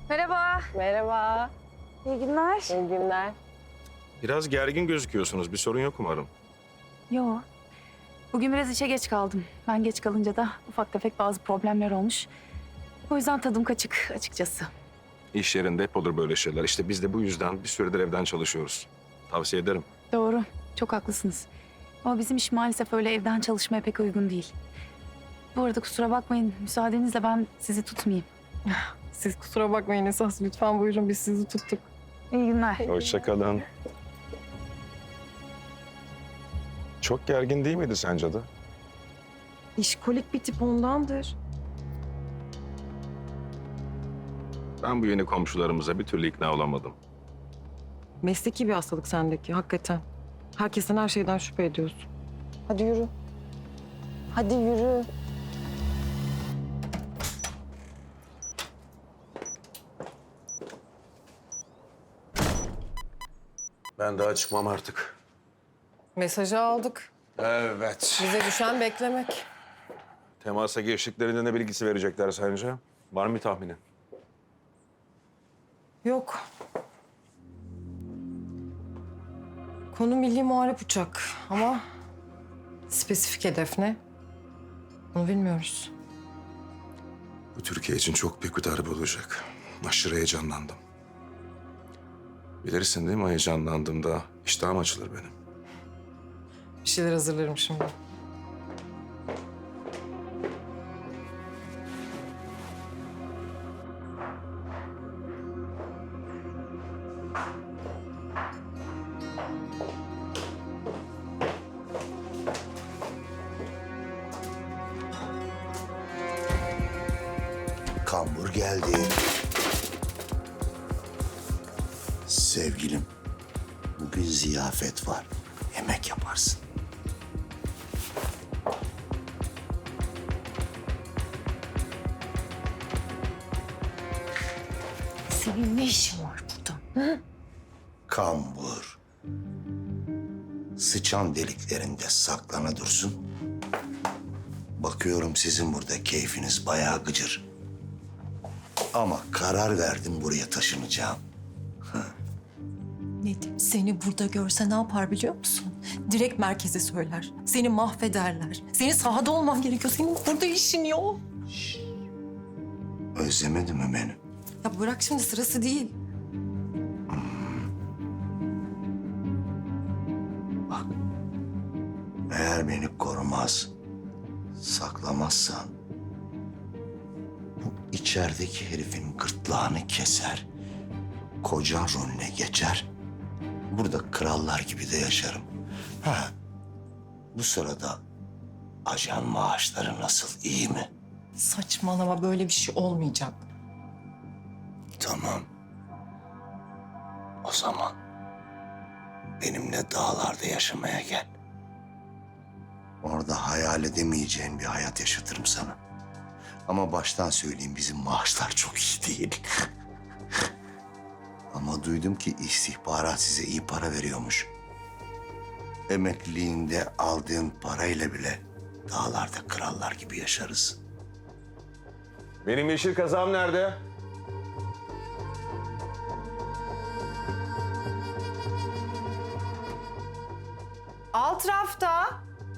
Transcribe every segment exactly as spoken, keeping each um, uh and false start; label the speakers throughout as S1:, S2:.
S1: Merhaba.
S2: Merhaba.
S1: İyi günler.
S2: İyi günler.
S3: Biraz gergin gözüküyorsunuz. Bir sorun yok umarım.
S1: Yo. Bugün biraz işe geç kaldım. Ben geç kalınca da ufak tefek bazı problemler olmuş. O yüzden tadım kaçık açıkçası.
S3: İş yerinde hep olur böyle şeyler. İşte biz de bu yüzden bir süredir evden çalışıyoruz. Tavsiye ederim.
S1: Doğru. Çok haklısınız. Ama bizim iş maalesef öyle evden çalışmaya pek uygun değil. Bu arada kusura bakmayın. Müsaadenizle ben sizi tutmayayım.
S2: Siz kusura bakmayın esas. Lütfen buyurun, biz sizi tuttuk.
S1: İyi günler.
S3: Hoşça kalın. Çok gergin değil miydi sence de?
S2: İşkolik bir tip ondandır.
S3: Ben bu yeni komşularımıza bir türlü ikna olamadım.
S2: Mesleki bir hastalık sendeki, hakikaten. Herkesten her şeyden şüphe ediyorsun. Hadi yürü. Hadi yürü.
S4: Ben daha çıkmam artık.
S2: Mesajı aldık.
S4: Evet.
S2: Bize düşen beklemek.
S3: Temasa geçtiklerinde ne bilgisi verecekler sence? Var mı bir tahminin?
S2: Yok. Konu milli muharip uçak ama spesifik hedef ne? Bunu bilmiyoruz.
S4: Bu Türkiye için çok büyük bir darbe olacak. Aşırı heyecanlandım. Bilirsin değil mi, heyecanlandığımda iştahım açılır benim.
S2: Bir şeyler hazırlarım şimdi.
S5: Kambur geldi. Sevgilim, bugün ziyafet var. Yemek yaparsın.
S1: Senin ne işin var burada?
S5: Kambur. Sıçan deliklerinde saklana dursun. Bakıyorum sizin burada keyfiniz bayağı gıcır. Ama karar verdim, buraya taşınacağım.
S6: Nedim seni burada görse ne yapar biliyor musun? Direkt merkeze söyler. Seni mahvederler. Senin sahada olman gerekiyor. Senin burada işin yok.
S5: Özlemedin mi beni?
S6: Ya bırak şimdi, sırası değil.
S5: Bak, eğer beni korumaz, saklamazsan... bu içerideki herifin gırtlağını keser, kocan rolüne geçer, burada krallar gibi de yaşarım. Ha, bu sırada ajan maaşları nasıl, iyi mi?
S6: Saçmalama, böyle bir şey olmayacak.
S5: Tamam. O zaman benimle dağlarda yaşamaya gel. Orada hayal edemeyeceğin bir hayat yaşatırım sana. Ama baştan söyleyeyim, bizim maaşlar çok iyi değil. Ama duydum ki istihbarat size iyi para veriyormuş. Emekliliğinde aldığın parayla bile dağlarda krallar gibi yaşarız.
S3: Benim yeşil kazağım nerede?
S2: Alt rafta.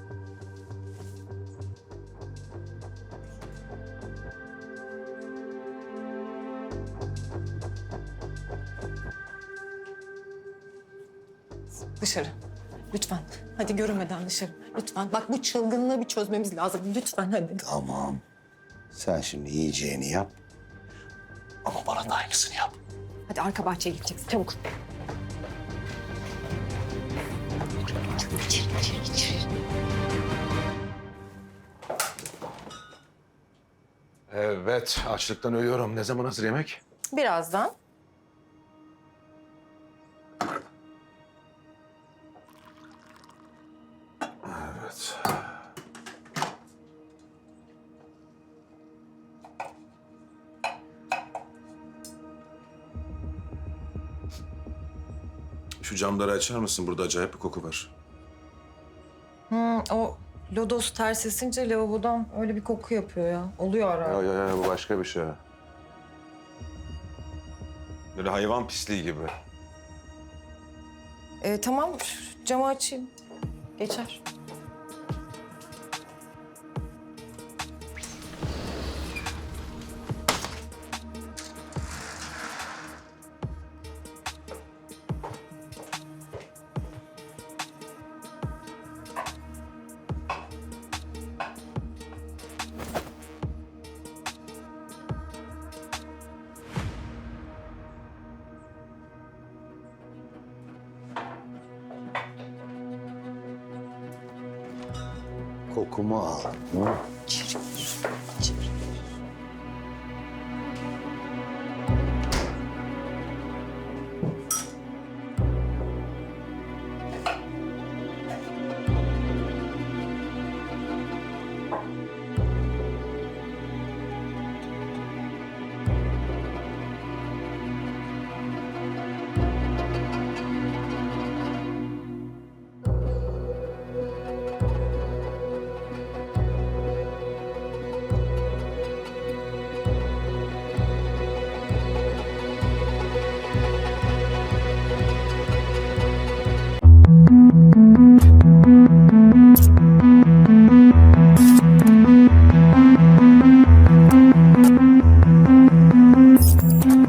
S6: Dışarı. Lütfen. Hadi görünmeden dışarı. Lütfen. Bak, bu çılgınlığı bir çözmemiz lazım. Lütfen hadi.
S5: Tamam. Sen şimdi yiyeceğini yap. Ama bana da aynısını yap.
S6: Hadi arka bahçeye gideceksin. Çabuk.
S4: Evet, açlıktan ölüyorum. Ne zaman hazır yemek?
S2: Birazdan.
S4: Evet. Şu camları açar mısın? Burada acayip bir koku var.
S2: Hmm, o lodos ters esince lavabodan öyle bir koku yapıyor ya. Oluyor ara.
S4: Ya ya ya bu başka bir şey.
S7: Böyle hayvan pisliği gibi.
S2: Ee, tamam, camı açayım. Geçer.
S5: Kokumu al. Hı?
S6: İçeri gir, içeri.